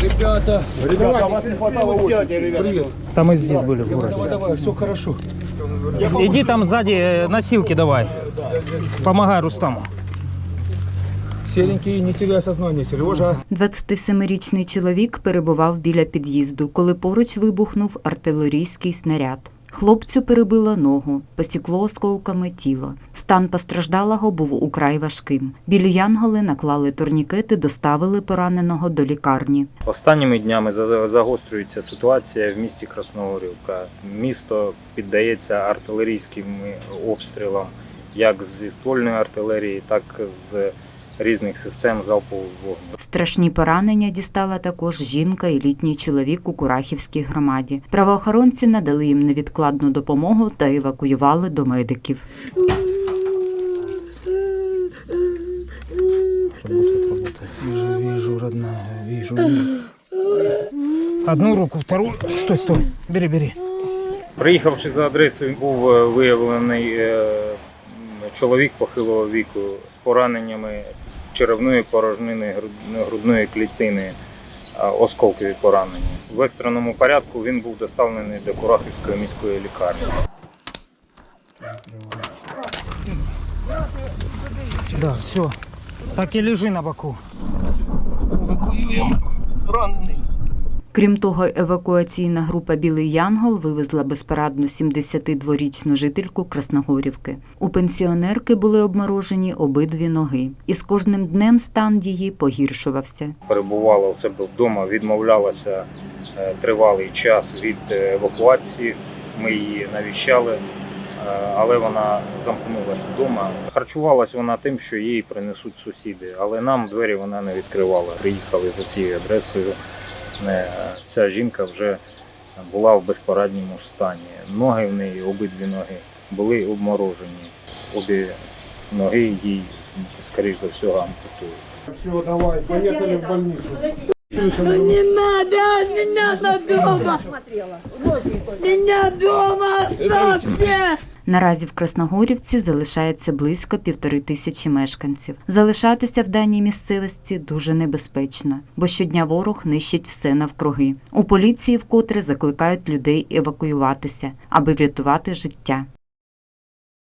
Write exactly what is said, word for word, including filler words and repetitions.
Ребята, Ребята, вас не хватало очень. привет. Там и здесь были в Давай, городе. давай, давай, все хорошо. Иди там сзади э, носилки давай. Помогай Рустаму. Серенький, не теряй сознание, Сережа. двадцятисемирічний чоловік перебував біля під'їзду, коли поруч вибухнув артилерійський снаряд. Хлопцю перебило ногу, посікло осколками тіло. Стан постраждалого був украй важким. Білі янголи наклали турнікети, доставили пораненого до лікарні. Останніми днями загострюється ситуація в місті Красногорівка. Місто піддається артилерійським обстрілам, як зі ствольної артилерії, так і з різних систем залпового вогню. Страшні поранення дістала також жінка і літній чоловік у Курахівській громаді. Правоохоронці надали їм невідкладну допомогу та евакуювали до медиків. Вижу, вижу, родная, вижу. Одну руку, вторую. Стой, стой. Бери, бери. Приїхавши за адресою, був виявлений е, чоловік похилого віку з пораненнями черевної порожнини, грудної клітини, осколкові поранення. В екстреному порядку він був доставлений до Курахівської міської лікарні. Да, все. Так і лежи на боку. Евакуюємо ранений. Крім того, евакуаційна група «Білий Янгол» вивезла безпорадну сімдесятидворічну жительку Красногорівки. У пенсіонерки були обморожені обидві ноги. І з кожним днем стан її погіршувався. Перебувала у себе вдома, відмовлялася тривалий час від евакуації. Ми її навіщали, але вона замкнулася вдома. Харчувалась вона тим, що їй принесуть сусіди, але нам двері вона не відкривала. Приїхали за цією адресою. Ця жінка вже була в безпорадньому стані. Ноги в неї, обидві ноги, були обморожені. Обі ноги їй, скоріш за все, ампутують. Все, давай, поехали в больницу. Не надо, меня дома! Меня дома оставьте! Наразі в Красногорівці залишається близько півтори тисячі мешканців. Залишатися в даній місцевості дуже небезпечно, бо щодня ворог нищить все навкруги. У поліції вкотре закликають людей евакуюватися, аби врятувати життя.